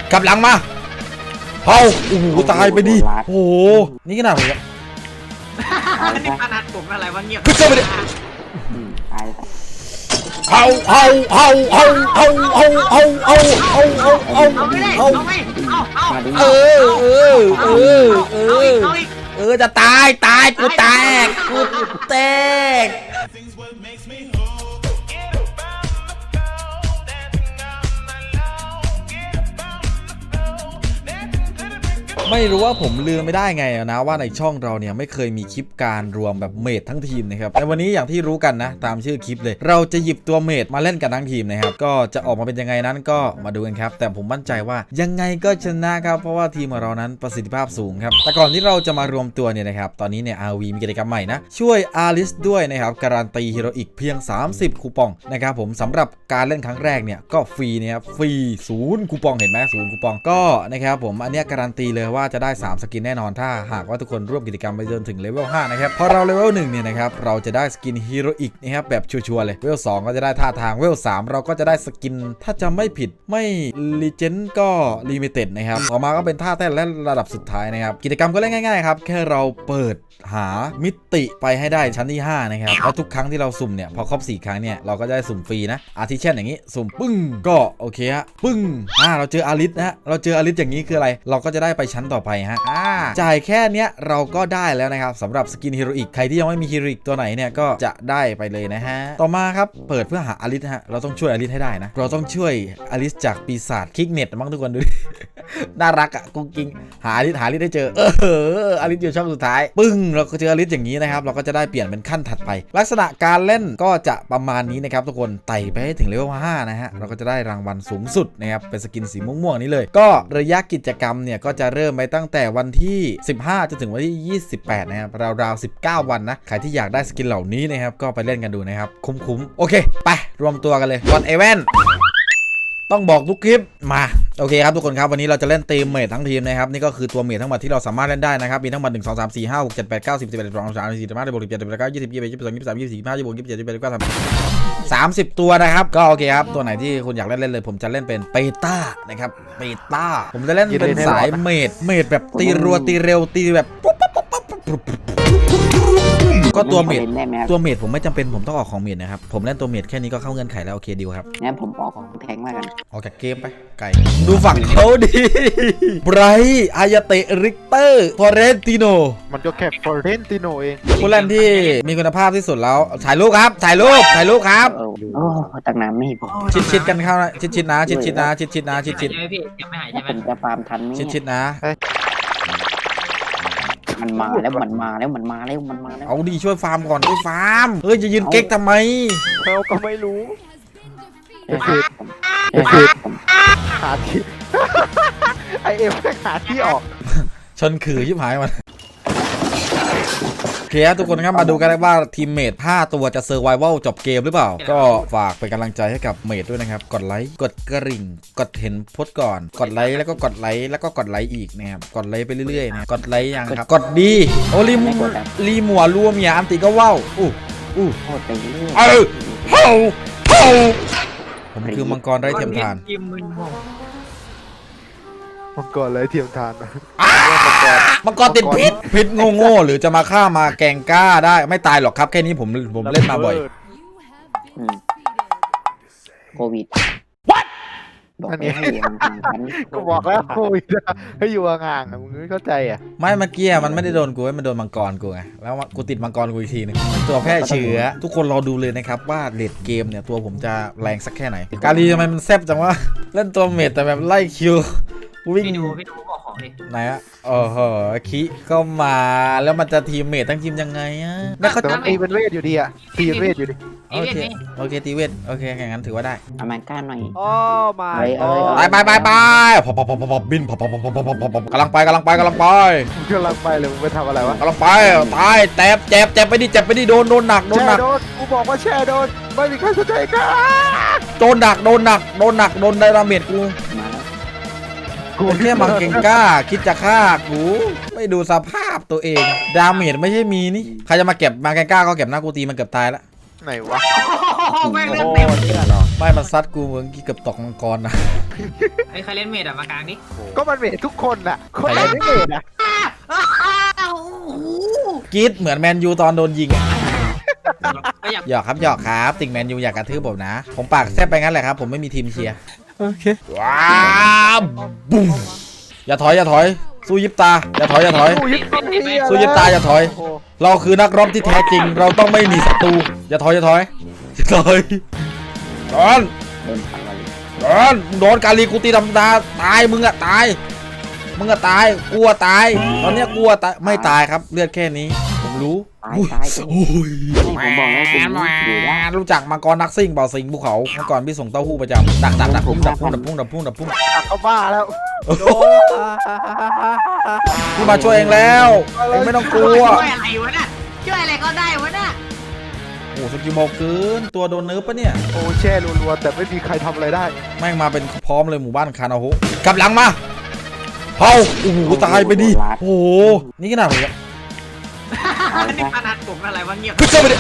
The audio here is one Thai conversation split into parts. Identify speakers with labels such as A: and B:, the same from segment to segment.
A: กลับหลังมาเผาโอ้โหตายไปดิโอ้โหนี่ขนาดไหนอะ
B: นี่ขนาดผมอะไรวะเงียบ
A: ขึ้นไปดิเผาจะตายกูแตกไม่รู้ว่าผมลืมไม่ได้ไงนะว่าในช่องเราเนี่ยไม่เคยมีคลิปการรวมแบบเมดทั้งทีมนะครับแต่วันนี้อย่างที่รู้กันนะตามชื่อคลิปเลยเราจะหยิบตัวเมดมาเล่นกันทั้งทีมนะครับก็จะออกมาเป็นยังไงนั้นก็มาดูกันครับแต่ผมมั่นใจว่ายังไงก็ชนะครับเพราะว่าทีมของเรานั้นประสิทธิภาพสูงครับแต่ก่อนที่เราจะมารวมตัวเนี่ยนะครับตอนนี้เนี่ย RV มีกิจกรรมใหม่นะช่วยอาริสด้วยนะครับการันตีฮีโร่อีกเพียง30คูปองนะครับผมสำหรับการเล่นครั้งแรกเนี่ยก็ฟรีนะครับฟรี0คูปองเห็นไหม0คูปองก็นะครับผมอันนี้การันตีเลยว่าจะได้3สกินแน่นอนถ้าหากว่าทุกคนร่วมกิจกรรมไปจนถึงเลเวล5นะครับพอเราเลเวล1เนี่ยนะครับเราจะได้สกินฮีโร่อีกนะครับแบบชัวร์เลยเลเวล2ก็จะได้ท่าทางเลเวล3เราก็จะได้สกินถ้าจำไม่ผิดไม่ลีเจนด์ก็ลิมิเต็ดนะครับต่อมาก็เป็นท่าแท้และระดับสุดท้ายนะครับกิจกรรมก็เล่นง่ายๆครับแค่เราเปิดหามิติไปให้ได้ชั้นที่5นะครับแล้วทุกครั้งที่เราสุ่มเนี่ยพอครบ4ครั้งเนี่ยเราก็ได้สุ่มฟรีนะอาทิเช่นอย่างนี้สุ่มปึ้งก็โอเคฮะปึ้งเราเจออาริสนะฮะเราเจออาริสอย่างนี้คืออะไรเราก็จะได้ไปชั้นต่อไปฮะจ่ายแค่เนี้ยเราก็ได้แล้วนะครับสำหรับสกินฮีโร่อีกใครที่ยังไม่มีฮีโร่อีกตัวไหนเนี่ยก็จะได้ไปเลยนะฮะต่อมาครับเปิดเพื่อหาอาริสฮะเราต้องช่วยอาริสให้ได้นะเราต้องช่วยอาริสจากปีศาจคิกเน็ตมั้งทุกคนดูดิ น่ารักอ่ะกุ้งกิ้งหาอาริสได้เจออาริสอยู่ช่องสุดท้ายปึ้งเราก็เจออาริสอย่างนี้นะครับเราก็จะได้เปลี่ยนเป็นขั้นถัดไปลักษณะการเล่นก็จะประมาณนี้นะครับทุกคนไต่ไปให้ถึงเลเวล5นะฮะเราก็จะได้รางวัลสูงสุดนะครับเป็นสกินสีม่วงๆนี้เลยก็ระยะกิจกรรมเนี่ยก็จะเริ่มไปตั้งแต่วันที่15จนถึงวันที่28นะครับราวๆ19วันนะใครที่อยากได้สกินเหล่านี้นะครับก็ไปเล่นกันดูนะครับคุ้มโอเคไปรวมตัวกันเลยก่อนเอเวนต้องบอกทุกคลิปมาโอเคครับทุกคนครับวันนี้เราจะเล่นทีมเมททั้งทีมนะครับนี่ก็คือตัวเมททั้งหมดที่เราสามารถเล่นได้นะครับมีทั้งหมด1 2 3 4 5 6 7 8 9 10 11 12 13 14 15 16 17 18 19 20 21 22 23 24 25 26 27 28 29 30ตัวนะครับก็โอเคครับตัวไหนที่คุณอยากเล่นเลยผมจะเล่นเป็นเปต้านะครับเปต้าผมจะเล่นเป็นสายเมทแบบตีรัวตีเร็วตีแบบก็ตัวเมดผมไม่จำเป็นผมต้องออกของเมดนะครับผมเล่นตัวเมดแค่นี้ก็เข้าเงื่อนไขแล้วโอเคดีครับ
C: งั้นผมออกของแทงมากัน
A: ออกจากเกมไปไก่ดูฝั่งเขาดีไบรท์อายาเตะริกเตอร์ฟอเรนติโน
D: มันก็แค่ฟอเรนติโนเอง
A: ผู้เล่นที่มีคุณภาพที่สุดแล้วถ่ายรูปครับครับ
C: โอ้ตั้งนานไม่พอ
A: ชิดกันเข้านะชิดนะชิด
B: ใช่ไหมพี่ยังไม่หายใช่ไหม
C: ผมจะฟาร์มทันไหม
A: ชิดนะ
C: มันมาแล้ว
A: เอาดีช่วยฟาร์มก่อนช่วยฟาร์มจะยืนเก๊กทำไม
D: เราก็ไม่รู้หาที่ไอเอ็มหาที่ออก
A: ชนขื่อยิบหายมันโอเคทุกคนครับมาดูกันว่าทีมเมท5ตัวจะเซอร์ไววัลจบเกมหรือเปล่าก็ฝากเป็นกำลังใจให้กับเมทด้วยนะครับกดไลค์กดกระดิ่งกดเห็นโพสต์ก่อนกดไลค์แล้วก็กดไลค์แล้วก็กดไลค์อีกนะครับกดไลค์ไปเรื่อยๆนะกดไลค์ยังครับกดดีโอ้รีมัวรัวเมียอันติก็ว้าวผมคือมังกรไร้เทียมทาน
D: มังกรไร้เทียมทาน
A: มังกรติดพิษโง่หรือจะมาฆ่ามาแกงก้าได้ไม่ตายหรอกครับแค่นี้ผมเล่นมาบ่อย
C: โควิดบอก
D: ให้ก็บอกแล้วโควิดให้อยู่ห่างๆมึงไม่เข้าใจอ่ะ
A: ไม่เมื่อกี้มันไม่ได้โดนกูมันโดนมังกรกูไงแล้วกูติดมังกรกูอีกทีนึงตัวแพร่เชื้อทุกคนรอดูเลยนะครับว่าเลดเกมเนี่ยตัวผมจะแรงสักแค่ไหนกาลีทำไมมันแซ่บจังวะเล่นตัวเมดแต่แบบไล่คิว
B: วิ่งดูบอกของดิ
A: ไหนอะคิก็มาแล้วมันจะทีมเมททั้งทีมยังไงอะ
D: แล้วเขาตีเป็นเวทอยู่ดีอะตีเป็นเวทอยู่ดิ
A: โอเคตีเวทโอเคแข่งกันถือว่าได้
C: เอามันก้านหน่อย
D: อ๋อมา
A: ไปพอบินพอกำลังไป
D: เลยมึงไปทำอะไรวะ
A: กำลังไปตายเจ็บไปดิโดนหนัก
D: กูบอกว่าแช่โดนไม่มีใครสนใจกัน
A: โดนหนักโดนไดราเมจกูแค่มังเก่งกล้าคิดจะฆ่ากูไม่ดูสภาพตัวเองดาเมจไม่ใช่มีนี่ใครจะมาเก็บมังเก่งกล้าก็เก็บหน้ากูตีมันเกือบตายแล้ว
D: ไหนวะ
B: ไม่เลือกเต็ม
A: ไม่มันซัดกูเมื่อกี้เกือบตกมังกรนะ
B: ไอ้ใครเล่นเมดอะมากลางนี่
D: ก็มันเมททุกคนน่ะคนไหนไม่เมทอ่ะ
A: กรีดเหมือนแมนยูตอนโดนยิงอะ
B: ก็อยาก
A: หยอกครับหยอกครับติ่งแมนยูอยากกระทืบผมนะผมปากแซบไปงั้นแหละครับผมไม่มีทีมเชียร์
D: โอเค
A: ว้าวบุ้มอย่าถอยอย่าถอยสู้ยิบตาอย่าถอยอย่าถอย
D: สู้ยิบตา
A: สู้ยิบตาอย่าถอย
D: โอ้โห
A: เราคือนักรบที่แท้จริง เราต้องไม่มีศัตรูอย่าถอยอย่าถอยอย่าถอยโดน
C: โดนพันวัน
A: โดนกาลีกูตีดำตาตายมึงอะตายมึงอะตายกลัวตายตอนเนี้ยกลัวตายไม่ตายครับเลือดแค่นี้ผมรู้
C: ตายตาย
A: โอ้ย
C: ผมบอกแล้วผมอยู่ได้
A: รู้จักมังกรนักซิ่งเปล่าสิงภูเขาเมื่อก่อนพี่ส่งเต้าหู้ประจำดักพุ่งดักพุ่งดักพุ่งดักพุ่งดักพุ่ง
D: ตักเขาบ้าแล้วโดน
A: พี่มาช่วยเองแล้วเองไม่ต้องกลัว
B: ช่วยอะไรวะน่ะช่วยอะไรก็ได้วะน่ะ
A: โอ้สกิลบอกเกินตัวโดนเนิร์ฟปะเนี่ย
D: โอ้แช่รัวๆแต่ไม่มีใครทำอะไรได้
A: แม่งมาเป็นพร้อมเลยหมู่บ้านคานาโฮกลับหลังมาเฮาโอ้โหตายไปดิโอ้โหนี่ขนาดผมเนี่ย
B: นี่พนันผมอะไรวะเงียบ
C: ตายไป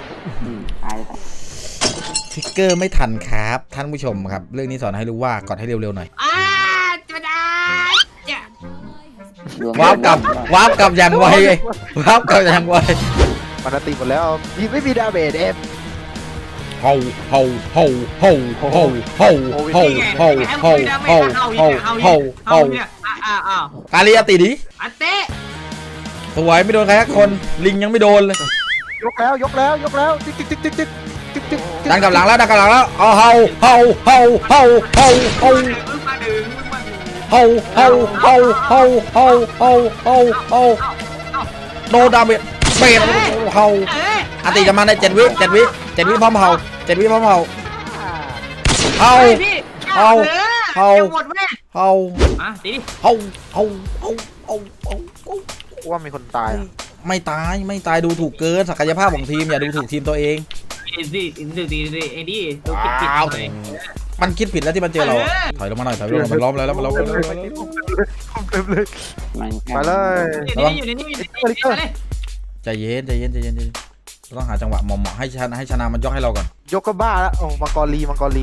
A: ทิกเกอร์ไม่ทันครับท่านผู้ชมครับเรื่องนี้สอนให้รู้ว่ากดให้เร็วๆหน่อย
B: จะได้จะ
A: วาร์ปกลับอย่างไวเลยวาร์ปกลับอย่างไว
D: มันตีหมดแล้วยิงไม่มีดาเมจเอฟ
A: เฮาเฮาเฮาเฮาเฮาเฮาเฮาเฮาเฮาเฮาเฮาเฮาเฮา
B: เนี่ยอ้าว
A: กาลีอาติดิ
B: อันเต้
A: สวยไม่โดนใครสักคนลิงยังไม่โดนเลย
D: ยกแล้วจิ๊กจิ๊ก
A: ดันกลับหลังแล้วเอาเฮาเฮาเฮาเฮาเฮาเฮา
B: มึงมาดึง
A: เฮาเฮาเฮาเฮาเฮาเฮาเฮาเฮาโนดาเมจเบรเฮาอาติจะมาใน7 วิพร้อมเฮา7 วิพร้อมเฮาเฮา
B: หมดแม่
A: เฮา
B: อ่ะตีดิ
A: เฮาเฮาเฮาเฮาเฮา
D: ว่ามีคนตาย
A: ไม่ตายดูถูกเกินศักยภาพของทีมอย่าดูถูกทีมตัวเอง
B: ดิไอ้ดิตัวคิดผิด
A: ว้าวมันคิดผิดแล้วที่มันเจอเราถอยลงมาหน่อยมันล้อมแล้วมันล้อมแล้ว
D: เต็มเลย
C: มัน
D: ไปเลย
B: อยู่ในนี่
A: ใจเย็นต้องหาจังหวะเหมาะให้ชนะมันยกให้เราก่อน
D: ยกก็บ้าแล้วโอ้มังกรลี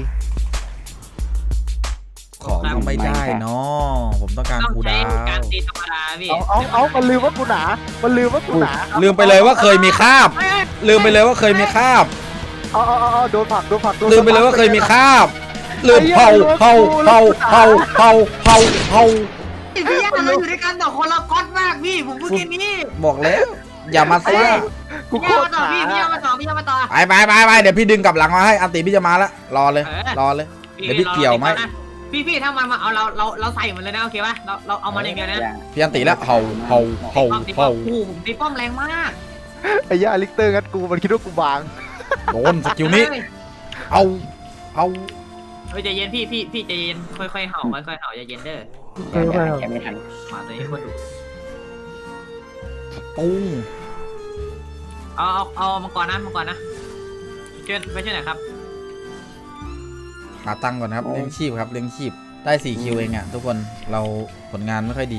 A: ของไม่ได้เนาะผมต้องการคูดาว
B: การตีธรรมดาพี่
D: เอามันลืมว่ากูหนา
A: ลืมไปเลยว่าเคยมีคาบลืมไปเลยว่าเคยมีคาบ
D: เอาโดนผัก
A: ลืมไปเลยว่าเคยมีคาบลืมเฮา
B: พี่ย่าเราอยู่ด้วยกันแต่คนละก๊อตมากพี่ผมพูดแค่นี้
A: บอกแล้วอย่ามาซ่า
D: กูโค
B: พี่
D: ตร
B: ย่ามาต่อพี่ย่ามาต่อ
A: ไปเดี๋ยวพี่ดึงกลับหลังมาให้อันติพี่จะมาแล้วรอเลยเดี๋ยวพี่เกี่ยวไหม
B: พี่ถ้ามันมาเอาเราใส่มันเลยนะโอเคป่ะเราเอามันอย่างเดียวนะ
A: พี่อันติแล้วเฮา
B: ผมตีป้อมแรงมาก
D: ไอ้ย่าลิกเตอร์งัดกูมันคิดว่ากูบาง
A: โดนสกิลนี้เอา
B: เฮ้ยใจเย็นพี่ใจเย็นค่อยๆเห่าใจเย็นเด้อ
C: แกไม่ทัน
B: มาตัวนี้คนดู
A: ปุ้ง
B: เอามังกรนะช่วยไปช่วยหน่อยครับ
A: หาตังค์ก่อนครับเลี้ยงชีพครับเลี้ยงชีพได้4 คิวเองอ่ะทุกคนเราผลงานไม่ค่อยดี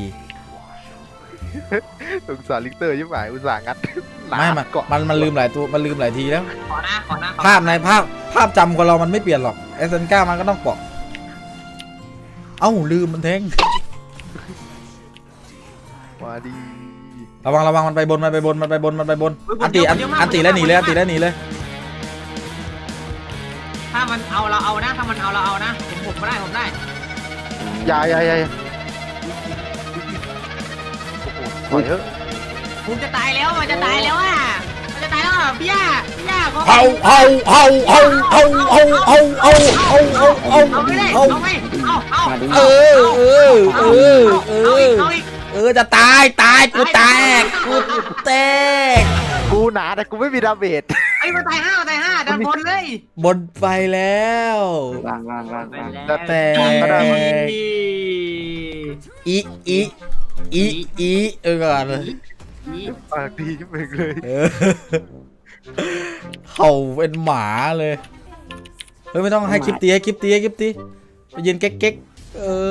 D: สงสารลิกเตอร์ยิ่งหมายอุตส่าห์งัด
A: ไม่มันลืมหลายตัวมันลืมหลายทีแล้ว
B: ขอนะ
A: ภาพในภาพจำของเรามันไม่เปลี่ยนหรอกเอสเซนก้ามันก็ต้องเปาะเอ้าลืมมันแทง
D: มาดี
A: ระวังมันไปบนอันติแล้วหนีเลย
B: ถ้ามันเอาเราเอานะผมได้
D: อย่าโอ้โหถอยเถอะ
B: ผมจะตายแล้วมันจะตายแล้วอ่ะพี่ย่า
A: เฮา
B: เอาไม่ได้เอาอีก
A: จะตายกูแตก
D: กูหนาแต่กูไม่มีดาเมจ
B: ไอ้มาตายห้าดันบนเลย
A: บนไปแล้ว
C: ล่าง
A: แต่อีก่อน
D: ปากดีขึ้นไปเลย
A: เห่าเป็นหมาเลยเฮ้ยไม่ต้องให้คลิปตีไปยืนเก๊ก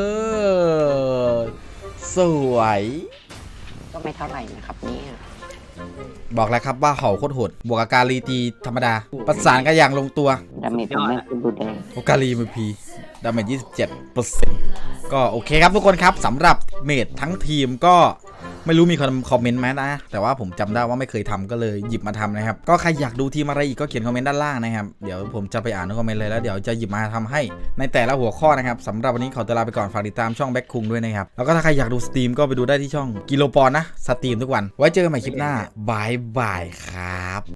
A: สวย
C: ก็ไม่เท่าไหร่นะครับเนี่ย
A: บอกแล้วครับว่าเห่าโคตรโหดบวกกับการีตีธรรมดาประสานกันอย่างลงตัว
C: ดาเมจผมไม่ขึ้นดูแดง
A: โอการีมือพีดาเมจ 27%ก็โอเคครับทุกคนครับสำหรับเมดทั้งทีมก็ไม่รู้มีคนคอมเมนต์ไหมนะแต่ว่าผมจำได้ว่าไม่เคยทำก็เลยหยิบมาทำนะครับก็ใครอยากดูทีมอะไรอีกก็เขียนคอมเมนต์ด้านล่างนะครับเดี๋ยวผมจะไปอ่านทุกคอมเมนต์เลยแล้วเดี๋ยวจะหยิบมาทำให้ในแต่ละหัวข้อนะครับสำหรับวันนี้ขอตัวลาไปก่อนฝากติดตามช่องแบ็คคุงด้วยนะครับแล้วก็ถ้าใครอยากดูสตรีมก็ไปดูได้ที่ช่องกิโลปอนนะสตรีมทุกวันไว้เจอกันใหม่คลิปหน้าบายบายครับ